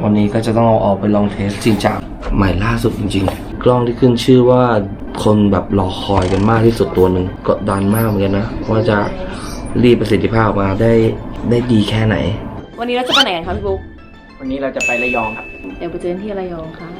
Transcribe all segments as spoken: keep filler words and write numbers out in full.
วันนี้ก็จะต้องเอาออกไปลองเทสจริงจังใหม่ล่าสุดจริงๆกล้องที่ขึ้นชื่อว่าคนแบบรอคอยกันมากที่สุดตัวหนึ่งกดดันมากเหมือนกันนะว่าจะรีดประสิทธิภาพออกมาได้ได้ดีแค่ไหนวันนี้เราจะไปไหนกันคะพี่บุ๊กวันนี้เราจะไประยองครับเดี๋ยวไปเจอที่ระยองค่ะ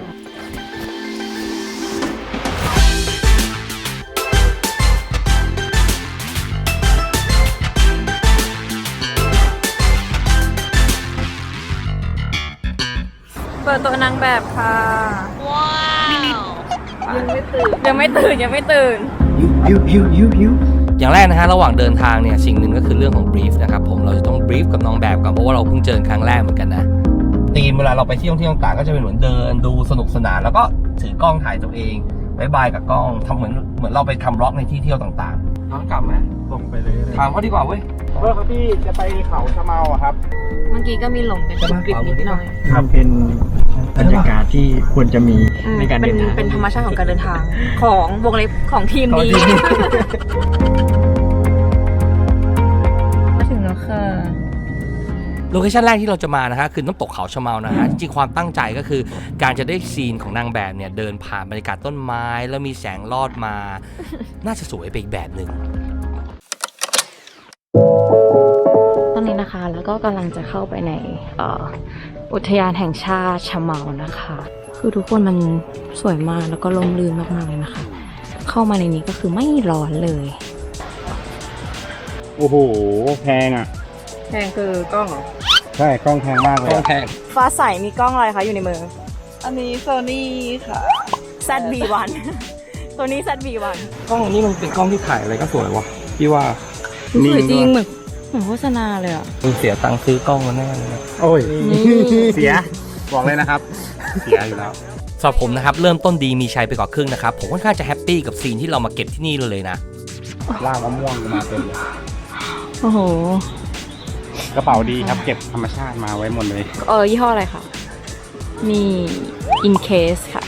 เปิดตัวนางแบบค่ะว้าวยังไม่ตื่นยังไม่ตื่นยังไม่ตื่นยิวยิวยิวยิวอย่างแรกนะฮะระหว่างเดินทางเนี่ยสิ่งหนึ่งก็คือเรื่องของบรีฟนะครับผมเราจะต้องบรีฟกับน้องแบบก่อนเพราะว่าเราเพิ่งเจอครั้งแรกเหมือนกันนะทีมเวลาเราไปเที่ยวที่ต่างๆก็จะเป็นเหมือนเดินดูสนุกสนานแล้วก็ถือกล้องถ่ายตัวเองบายบายกับกล้องทำเหมือนเหมือนเราไปทำบล็อกในที่เที่ยวต่างๆน้องกลับไหมส่งไปเลยถามเขาดีกว่าเว้ยเออครับพี่จะไปเขาชะเมาอะครับเมื่อกี้ก็มีหลงกันกริบนิดหน่อยครับเป็นบรรยากาศที่ควรจะมีในการเดินทางเป็นธรรมชาติของการเดินทางของวงเล็บของทีมนี้มาถึงแล้วค่ะโลเคชั่นแรกที่เราจะมานะฮะคือน้ำตกเขาชะเมานะฮะจริงๆความตั้งใจก็คือการจะได้ซีนของนางแบบเนี่ยเดินผ่านบรรยากาศต้นไม้แล้วมีแสงลอดมาน่าจะสวยไปอีกแบบหนึ่งตอนนี้นะคะแล้วก็กำลังจะเข้าไปในอุทยานแห่งชาติชะเมานะคะคือทุกคนมันสวยมากแล้วก็ร่มรื่นมากๆเลยนะคะเข้ามาในนี้ก็คือไม่ร้อนเลยโอ้โหแพงอ่ะแพงคือกล้องเหรอใช่กล้องแพงมากเลยกล้องแพงฟ้าใสมีกล้องอะไรคะอยู่ในมืออันนี้โซนี่ค่ะแซด บี วัน ตัวนี้ แซด บี วันกล้องนี้มันเป็นกล้องที่ถ่ายอะไรก็สวยวะพี่ว่าสวยจริงเหมือนเหมือนโฆษณาเลยอ่ะมึงเสียตังค์ซื้อกล้องมาแน่เลยนะโอ้ยเสียบอกเลยนะครับเสียอยู่แล้วสำหรับผมนะครับเริ่มต้นดีมีชัยไปกว่าครึ่งนะครับผมค่อนข้างจะแฮปปี้กับซีนที่เรามาเก็บที่นี่เลยนะล่างมะม่วงมาเป็นโอ้โหกระเป๋าดีครับเก็บธรรมชาติมาไว้หมดเลยเออยี่ห้ออะไรคะมี in case ค่ะ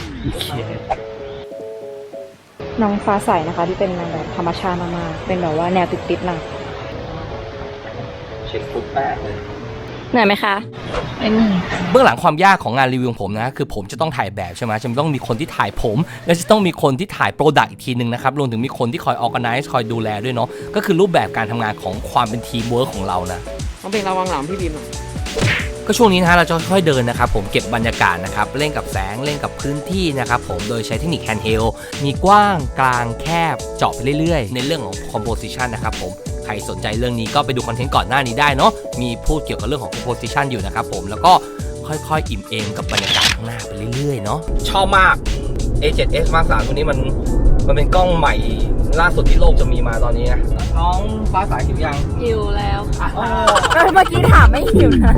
น้องฟ้าใสนะคะที่เป็นนางแบบธรรมชาติมากๆเป็นแบบว่าแนวติดๆหน่อยเช็คฟุตแป้งเลยเหนื่อยไหมคะไม่เหนื่อยเบื้องหลังความยากของงานรีวิวของผมนะคือผมจะต้องถ่ายแบบใช่ไหมจะต้องมีคนที่ถ่ายผมและจะต้องมีคนที่ถ่ายโปรดักต์อีกทีนึงนะครับรวมถึงมีคนที่คอยออร์แกไนซ์คอยดูแลด้วยเนาะก็คือรูปแบบการทำงานของความเป็นทีมเวิร์คของเรานะต้องเป็นระวังหลังพี่บีมก็ช่วงนี้นะฮะเราจะค่อยๆเดินนะครับผมเก็บบรรยากาศนะครับเล่นกับแสงเล่นกับพื้นที่นะครับผมโดยใช้เทคนิคแฮนด์เฮลมีกว้างกลางแคบเจาะไปเรื่อยๆในเรื่องของคอมโพสิชันนะครับผมใครสนใจเรื่องนี้ก็ไปดูคอนเทนต์ก่อนหน้านี้ได้เนาะมีพูดเกี่ยวกับเรื่องของ composition อยู่นะครับผมแล้วก็ค่อยๆอิ่มเอมกับบรรยากาศข้างหน้าไปเรื่อยๆเนาะชอบมาก เอ เซเว่น เอส Mark สามตัวนี้มันมันเป็นกล้องใหม่ล่าสุดที่โลกจะมีมาตอนนี้นะน้องฟ้าสายหิวยังหิวแล้วค่ะเมื่อกี้ถามไม่หิวนะ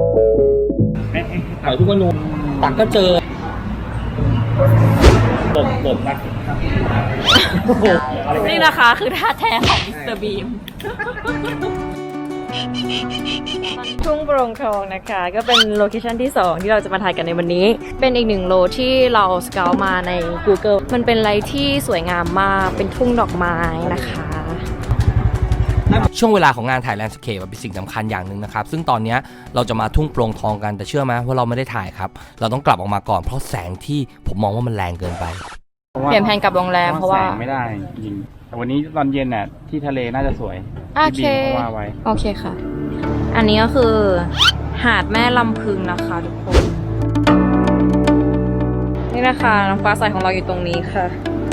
ถ่ายทุกวันนูตักก็เจอตบตบนะนี่นะคะคือท่าแท้ของมิสเตอร์บีมทุ่งโปร่งทองนะคะก็เป็นโลเคชั่นที่สองที่เราจะมาถ่ายกันในวันนี้เป็นอีกหนึ่งโลที่เราสเกาต์มาใน Google มันเป็นอะไรที่สวยงามมากเป็นทุ่งดอกไม้นะคะช่วงเวลาของงานถ่ายแลนด์สเคปเป็นสิ่งสำคัญอย่างหนึ่งนะครับซึ่งตอนนี้เราจะมาทุ่งโปร่งทองกันแต่เชื่อไหมว่าเราไม่ได้ถ่ายครับเราต้องกลับออกมาก่อนเพราะแสงที่ผมมองว่ามันแรงเกินไปเปลี่ยนแผนกลับโรงแรมเพราะว่าแสงไม่ได้จริงแต่วันนี้ตอนเย็นน่ะที่ทะเลน่าจะสวยโอเคโอเคค่ะอันนี้ก็คือหาดแม่ลำพึงนะคะทุกคนนี่นะคะน้องฟ้าใสของเราอยู่ตรงนี้ค่ะ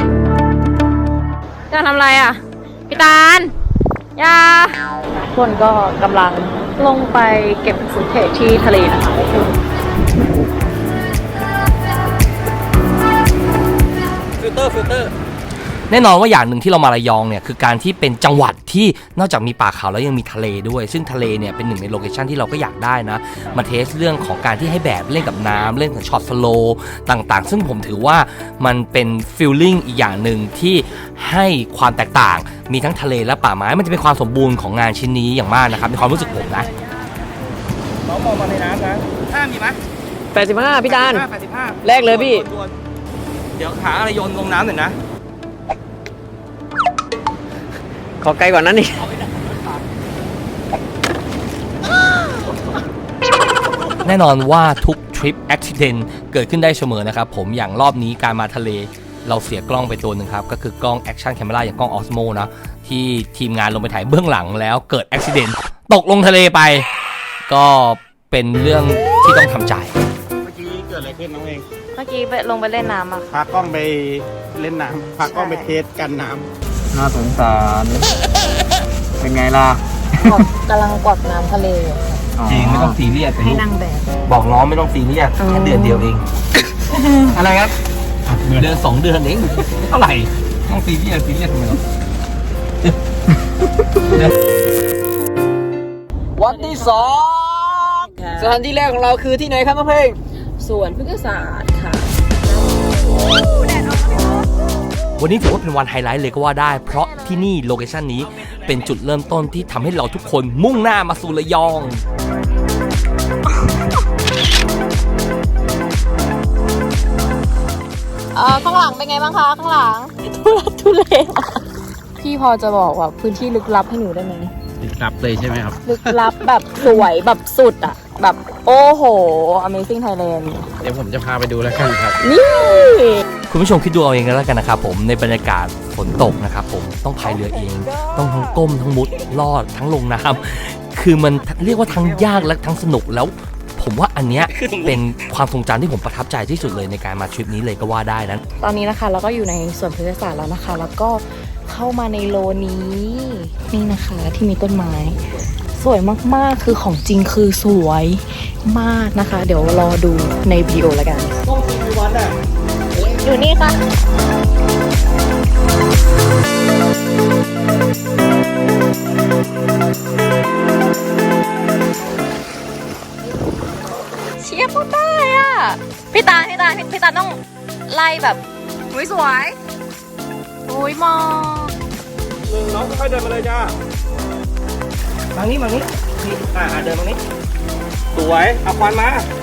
จะทำอะไรอ่ะพี่ตาลยาคนก็กำลังลงไปเก็บสุดเขตที่ทะเลนะคะฟิลเตอร์ฟิลเตอร์แน่นอนว่าอย่างหนึ่งที่เรามาระยองเนี่ยคือการที่เป็นจังหวัดที่นอกจากมีป่าเขาแล้วยังมีทะเลด้วยซึ่งทะเลเนี่ยเป็นหนึ่งในโลเคชั่นที่เราก็อยากได้นะมาเทสเรื่องของการที่ให้แบบเล่นกับน้ำเล่นกับช็อตสโลว์ต่างๆซึ่งผมถือว่ามันเป็นฟีลลิ่งอีกอย่างหนึ่งที่ให้ความแตกต่างมีทั้งทะเลและป่าไม้มันจะเป็นความสมบูรณ์ของงานชิ้นนี้อย่างมากนะครับในความรู้สึกผมนะน้องมองมาในน้ำนะห้ามีไหมแปดสิบห้าพี่ดานแรกเลยพี่เดี๋ยวหาอะไรโยนลงน้ำหน่อยนะขอไกลกว่านั้นนี่แน่นอนว่าทุกทริริปอุบัติเหตุเกิดขึ้นได้เสมอนะครับผมอย่างรอบนี้การมาทะเลเราเสียกล้องไปตัวหนึ่งครับก็คือกล้องแอคชั่นแคมเมราอย่างกล้อง Osmo นะที่ทีมงานลงไปถ่ายเบื้องหลังแล้วเกิดอุบัติเหตุตกลงทะเลไปก็เป็นเรื่องที่ต้องทำใจเมื่อกี้เกิดอะไรขึ้นน้องเองเมื่อกี้ไปลงไปเล่นน้ำอะค่ะพากล้องไปเล่นน้ำพากล้องไปเทสกันน้ำน่าสงสารเป็นไงล่ะกำลังกวักน้ำทะเลอยู่จริงไม่ต้องซีเรียสให้นางแบบบอกน้องไม่ต้องซีเรียสแค่เดือนเดียวเอง อะไรครับเดือนสองเดือนเองเท่าไหร่ต้องซีเรียสซีเรียสทำไมหรอวันที่สองสถานที่แรกของเราคือที่ไหนครับน้องเพลงสวนพฤกษศาสตร์ค่ะวันนี้ถือว่าเป็นวันไฮไลท์เลยก็ว่าได้เพราะที่นี่โลเคชั่นนี้เป็นจุดเริ่มต้นที่ทำให้เราทุกคนมุ่งหน้ามาสู่ระยองเออข้างหลังเป็นไงบ้างคะข้างหลังทุลักทุเลพี่พอจะบอกว่าพื้นที่ลึกลับให้หนูได้ไหมติดกลับเลยใช่ไหมครับลึกลับแบบสวยแบบสุดอะแบบโอ้โห Amazing Thailand เดี๋ยวผมจะพาไปดูแล้วกันครับนี่คุณผู้ชมคิดดูเอาเองก็แล้วกันนะครับผมในบรรยากาศฝนตกนะครับผมต้องพายเรือเอง ต้องทั้งก้มทั้งมุดลอดทั้งลงน้ำคือมันเรียกว่าทั้งยากและทั้งสนุกแล้ว ผมว่าอันเนี้ยเป็นความทรงจำที่ผมประทับใจที่สุดเลยในการมาทริปนี้เลยก็ว่าได้นะตอนนี้นะคะเราก็อยู่ในสวนพฤกษศาสตร์แล้วนะคะ แล้วก็เข้ามาในโลนี้ นี่นะคะที่มีต้นไม้ สวยมากๆคือของจริงคือสวยมากนะคะ เดี๋ยวรอดูในวิดีโอแล้วกันอยู่นี่ค่ะเชียร์พูดได้อ่ะพี่ตาพี่ตาพี่ตาต้องไล่แบบสวยสวยโอ้ยมองน้องค่อยๆเดินมาเลยจ้ามานี้มานี้อ่าเดินมานี้สวย เอาควันมา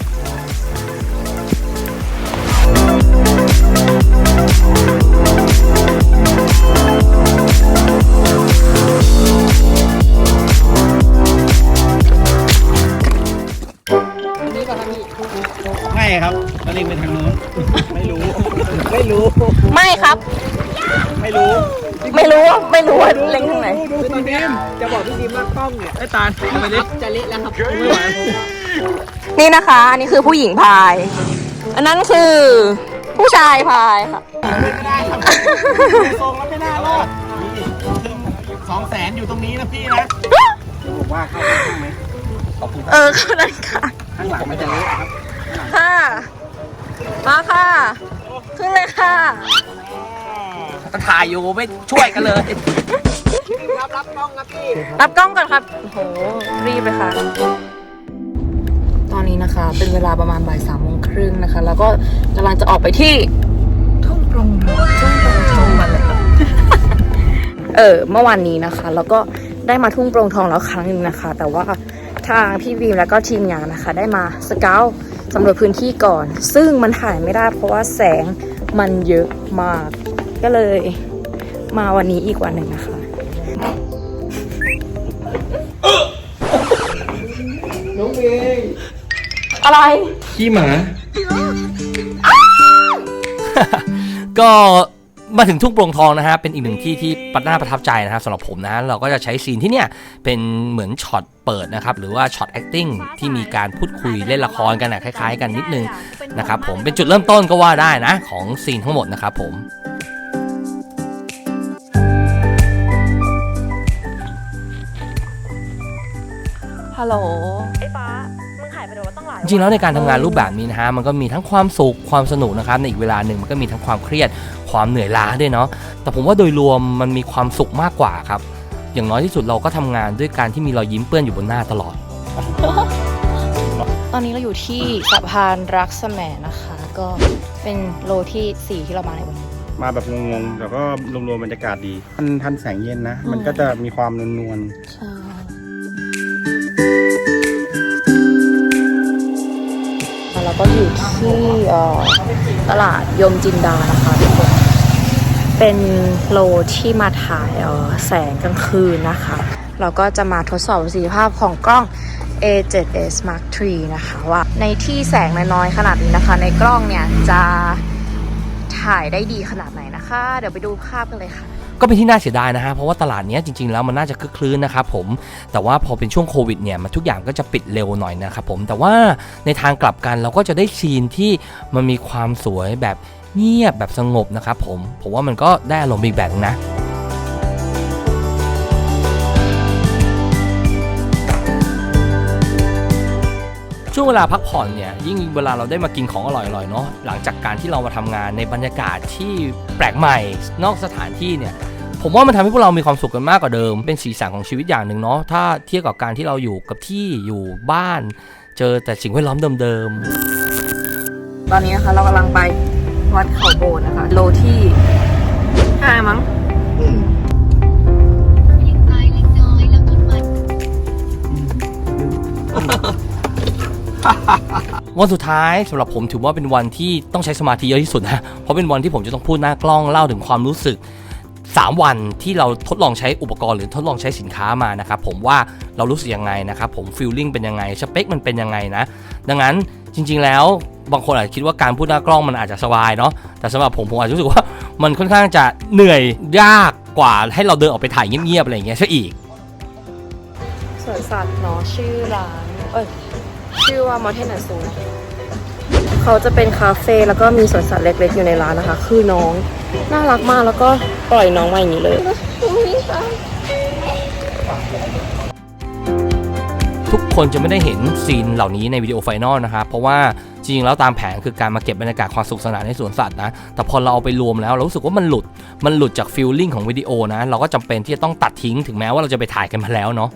ไม่ครับตอนนี้ไปทางนู้นไม่รู้ ไม่รู้ไม่ครับไม่รู้ไม่รู้ว่าไม่รู้ว่าเล็งทางไหนดูตอนนี้จะบอกพี่ดิมว่ากล้องเนี่ยไอ้ตาลเอาไปดิจะเละแล้วครับไม่ไหวนี่นะคะ อันนี้คือผู้หญิงพาย อันนั้นคือผู้ชายพายค่ะไม่ได้ครับทรงแล้วไม่น่ารอดสองแสนอยู่ตรงนี้นะพี่นะผมว่าเข้าไปข้างไหมเออเข้าได้ค่ะข้างหลังไม่จะเละครับค่ะ มาค่ะ ขึ้นเลยค่ะถ่ายอยู่ไม่ช่วยกันเลยรับรับกล้องนะพี่รับกล้องก่อนครับ โอ้โห รีบเลยค่ะ ตอนนี้นะคะ เป็นเวลาประมาณบ่ายสามโมงครึ่งนะคะ แล้วก็กำลังจะออกไปที่ทุ่งโปร่งทองทุ่งโปร่งทองมาเลยเออ เมื่อวานนี้นะคะ แล้วก็ได้มาทุ่งโปร่งทองแล้วครั้งหนึ่งนะคะ แต่ว่าทางพี่บีมแล้วก็ทีมงานนะคะ ได้มาสเกลสำรวจพื้นที่ก่อน ซึ่งมันถ่ายไม่ได้เพราะว่าแสงมันเยอะมาก ก็เลยมาวันนี้อีกวันหนึ่งนะคะน้องเองอะไรขี้หมาก็มาถึงทุ่งโปร่งทองนะฮะเป็นอีกหนึ่งที่ที่ปัดหน้าประทับใจนะฮะสำหรับผมนะเราก็จะใช้ซีนที่เนี่ยเป็นเหมือนช็อตเปิดนะครับหรือว่าช็อต acting ที่มีการพูดคุยเล่นละครกันนะคล้ายๆกันนิดนึงนะครับผมเป็นจุดเริ่มต้นก็ว่าได้นะของซีนทั้งหมดนะครับผมฮัลโหลไอ้ฟ้ามึงหายไปเลยว่าต้องหลายจริงๆแล้วในการทำงานรูปแบบนี้นะฮะมันก็มีทั้งความสุขความสนุกนะครับในอีกเวลาหนึ่งมันก็มีทั้งความเครียดความเหนื่อยล้าด้วยเนาะแต่ผมว่าโดยรวมมันมีความสุขมากกว่าครับอย่างน้อยที่สุดเราก็ทำงานด้วยการที่มีรอยยิ้มเปื้อนอยู่บนหน้าตลอดตอนนี้เราอยู่ที่สะพานรักแสมนะคะ ก็เป็นโลที่สี่ที่เรามาในวันนี้มาแบบงงๆแต่ก็รวมๆบรรยากาศดีทันทันแสงเย็นนะ มันก็จะมีความนวลใช่แล้วก็อยู่ที่เอ่อตลาดยมจินดานะคะทุกคนเป็นโลที่มาถ่ายเอ่อแสงกลางคืนนะคะ เราก็จะมาทดสอบประสิทธิภาพของกล้องเอ เซเว่น เอส มาร์ค ทรี นะคะว่าในที่แสงน้อยๆขนาดนี้นะคะในกล้องเนี่ยจะถ่ายได้ดีขนาดไหนนะคะ เดี๋ยวไปดูภาพกันเลยค่ะก็เป็นที่น่าเสียดายนะฮะเพราะว่าตลาดนี้จริงๆแล้วมันน่าจะคึกคลื้นนะครับผมแต่ว่าพอเป็นช่วงโควิดเนี่ยมันทุกอย่างก็จะปิดเร็วหน่อยนะครับผมแต่ว่าในทางกลับกันเราก็จะได้ซีนที่มันมีความสวยแบบเงียบแบบสงบนะครับผมผมว่ามันก็ได้อารมณ์อีกแบบนึงนะช่วงเวลาพักผ่อนเนี่ยยิ่งเวลาเราได้มากินของอร่อยๆเนาะหลังจากการที่เรามาทำงานในบรรยากาศที่แปลกใหม่นอกสถานที่เนี่ยผมว่ามันทำให้พวกเรามีความสุขกันมากกว่าเดิมเป็นสีสันของชีวิตอย่างหนึ่งเนาะถ้าเทียบกับการที่เราอยู่กับที่อยู่บ้านเจอแต่สิ่งแวดล้อมเดิมๆตอนนี้นะคะเรากำลังไปวัดเขาโบนนะคะโลที่ห้ามั้งวันสุดท้ายสำหรับผมถือว่าเป็นวันที่ต้องใช้สมาธิเยอะที่สุดนะเพราะเป็นวันที่ผมจะต้องพูดหน้ากล้องเล่าถึงความรู้สึกสามวันที่เราทดลองใช้อุปกรณ์หรือทดลองใช้สินค้ามานะครับผมว่าเรารู้สึกยังไงนะครับผมฟีลลิ่งเป็นยังไงสเปคมันเป็นยังไงนะดังนั้นจริงๆแล้วบางคนอาจจะคิดว่าการพูดหน้ากล้องมันอาจจะสบายเนาะแต่สำหรับผมผมอาจจะรู้สึกว่ามันค่อนข้างจะเหนื่อยยากกว่าให้เราเดินออกไปถ่ายเงียบๆอะไรอย่างเงี้ยซะอีกสวนสัตว์เนาะชื่อร้านเอ้ยชื่อว่า Mountain and Zoo เขาจะเป็นคาเฟ่แล้วก็มีสวนสัตว์เล็กๆอยู่ในร้านนะคะคือน้องน่ารักมากแล้วก็ปล่อยน้องมาอย่างนี้เลยทุกคนจะไม่ได้เห็นซีนเหล่านี้ในวิดีโอไฟนอลนะครับเพราะว่าจริงๆแล้วตามแผนคือการมาเก็บบรรยากาศความสุขสนานในสวนสัตว์นะแต่พอเราเอาไปรวมแล้วเรารู้สึกว่ามันหลุดมันหลุดจากฟีลลิ่งของวิดีโอนะเราก็จำเป็นที่จะต้องตัดทิ้งถึงแม้ว่าเราจะไปถ่ายกันมาแล้วเนาะ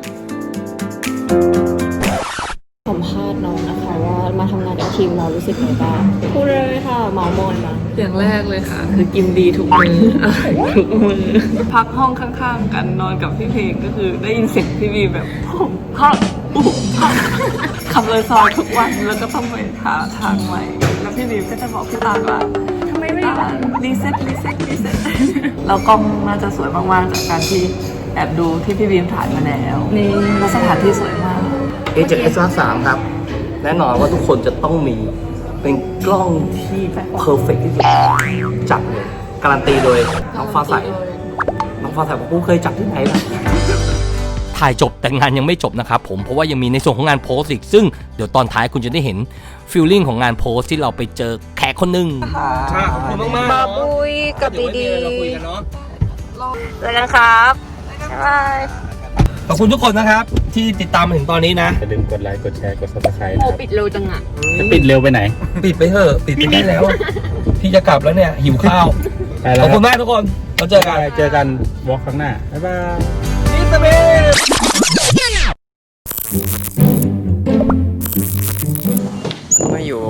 สัมภาษณ์น้องนะคะว่ามาทำงานกับทีมเรารู้สึกไงบ้างพูดเลยค่ะเมามอยมาอย่างแรกเลยค่ะ คือกินดีทุกมือ อร่อยทุกมือ พักห้องข้างๆกันนอนกับพี่เพลงก็คือได้ยินเสียงพี่บีแบบผมพักปุ๊บพักขับเลยซอยทุกวันแล้วก็ต้องไปหาทางใหม่ แล้วพี่บีก็จะบอกพี่ตาลว่าทำไมไม่รีเซ็ตรีเซ็ตรีเซ็ตแล้วกล้องน่าจะสวยมากๆจากการที่แอบดูที่พี่บีมถ่ายมาแล้วนี่แล้วสถานที่สวยมากเอ เจ็ด เอส สาม ครับแน่นอนว่าทุกคนจะต้องมีเป็นกล้องที่เพอร์เฟกต์ที่สุดจับเลยการันตีโดยน้องฟ้าใสน้องฟ้าใสผมกูเคยจับที่ไหนล่ะถ่ายจบแต่งานยังไม่จบนะครับผมเพราะว่ายังมีในส่วนของงานโพสต์อีกซึ่งเดี๋ยวตอนท้ายคุณจะได้เห็นฟีลลิ่งของงานโพสต์ที่เราไปเจอแขกคนหนึ่งขอบคุณมากๆบาบุยกับดีดีเราคุยกันเนาะแล้วกันครับบ๊ายบายขอบคุณทุกคนนะครับที่ติดตามมาถึงตอนนี้นะอย่าลืมกดไลค์ กดแชร์ กด ซับสไครบ์โอปิดเร็วจังอ่ะจะปิดเร็วไปไหนปิดไปเถอะปิดไปได้แล้ว พี่จะกลับแล้วเนี่ยหิวข้าวไปแล้วขอบคุณมากทุกคนเราเจอกันเจอกันวอล์กข้างหน้า บ๊ายบายอิสเบลมาอยู่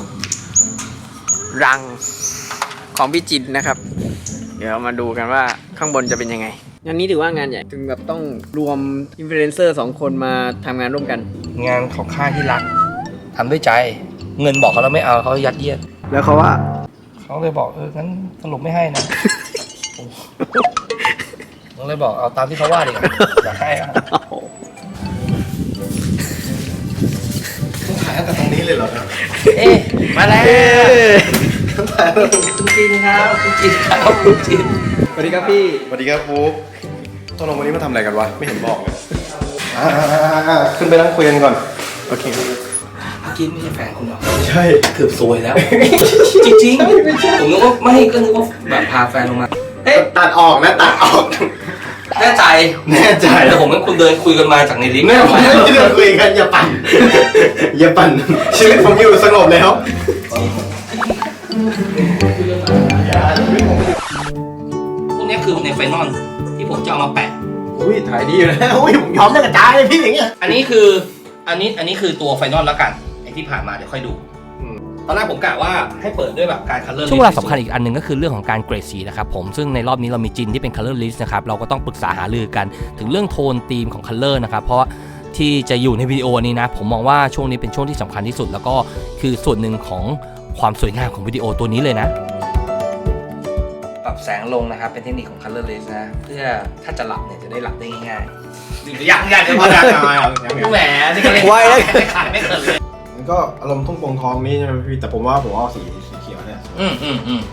รังของพี่จินนะครับ เดี๋ยวมาดูกันว่าข้างบนจะเป็นยังไงงานนี้ถือว่างานใหญ่ถึงแบบต้องรวมอินฟลูเอนเซอร์สองคนมาทำงานร่วมกันงานของค่ายที่รักทำด้วยใจ เงินบอกเขาแล้วไม่เอาเขายัดเยียดแล้วเขาว่าเขาเลยบอกเอองั้นสรุปไม่ให้นะเขาเลยบอกเอาตามที่เขาว่าดีกว่าอยากให้อะถ่ายตั้งแต่ตรงนี้เลยเหรอเอ๊ะมาแล้วคุณจินครับคุณจินครับคุณจินสวัสดีครับพี่ สวัสดีครับฟุ๊กตกลงวันนี้มาทำอะไรกันวะ ไม่เห็นบอกเลยอ่าๆๆขึ้นไปนั่งคุยกันก่อน โอเคเมื่อกี้ไม่ใช่แฟนคุณหรอใช่เกือบซวยแล้ว จริงๆผมนึกว่าไม่ก็นึกว่าแบบพาแฟนลงมาเฮ้ยตัดออกนะตัดออกแน่ใจแน่ใจแต่ผมกับคุณเดินคุยกันมาจากในลิฟต์แม่ผมไม่ได้คุยกันอย่าปั่น อย่าปั่น ชีวิตผมอยู่สงบแล้วพวกนี้คือในไฟนอลที่ผมจะเอามาแปะอุ้ยถ่ายดีอยู่นะอุ้ยผมยอมจะกระจายเลยพี่อย่างเงี้ยอันนี้คืออันนี้อันนี้คือตัวไฟนอลแล้วกันไอที่ผ่านมาเดี๋ยวค่อยดูตอนแรกผมกะว่าให้เปิดด้วยแบบการคัลเลอร์ช่วงเวลาสำคัญอีกอันหนึ่งก็คือเรื่องของการเกรดสีนะครับผมซึ่งในรอบนี้เรามีจินที่เป็นคัลเลอร์ลิสต์นะครับเราก็ต้องปรึกษาหารือกันถึงเรื่องโทนธีมของคัลเลอร์นะครับเพราะที่จะอยู่ในวิดีโอนี้นะผมมองว่าช่วงนี้เป็นช่วงที่สำคัญที่สุดแล้วก็คือส่วนหนึ่งของความสวยงามของวิดีโอตัวนี้เลยนะรับแสงลงนะครับเป็นเทคนิคของ colorless นะเพื่อถ้าจะหลับเนี่ยจะได้หลับได้ง่ายๆดื่มยังยังจะพอดังแหมนี่ก็เล่นไว้ไม่ขายไม่เกินเลยมันก็อารมณ์ทุ่งโป่งทองนี่ใช่ไหมพี่แต่ผมว่าผมเอาสีสีเขียวเนี่ยอืมอืมอืม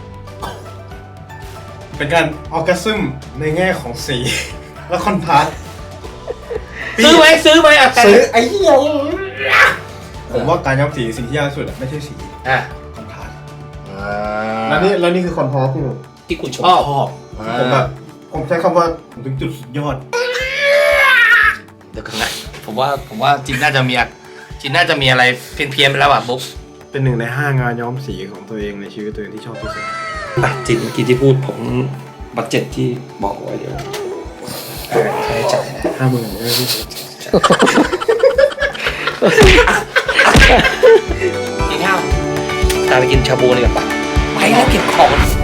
เป็นการออร์แกซึมในแง่ของสี และคอนทราสต์ซื้อไหมซื้อไหมอ่ะซื้อไอ้เหี้ยผมว่าการย้อมสีสิ่งที่ยากที่สุดอะไม่ใช่สีอ่ะคอนทราสต์แล้วนี่แล้วนี่คือคอนทราสต์ที่ผมที่คุณชชอบอบผมแบบผมใช้คำว่าผมถึงจุดสุดยอดเดี๋ยวกันนะผมว่าผมว่าจินน่าจะมีอะจินน่าจะมีอะไรเพี้ยนๆไปแล้วอ่ะบุ๊กเป็นหนึ่งในห้างานย้อมสีของตัวเองในชีวิตตัวเองที่ชอบที่สุดอ่ะจินเมื่อกี้ที่พูดผมบัตเจ็ตที่บอกไว้เดี๋ยวใช้จ่ายนะห้าหมื่นไม่พี่กินข้าวตามไปกินชาบูเลยกับปะไปแล้วเก็บของ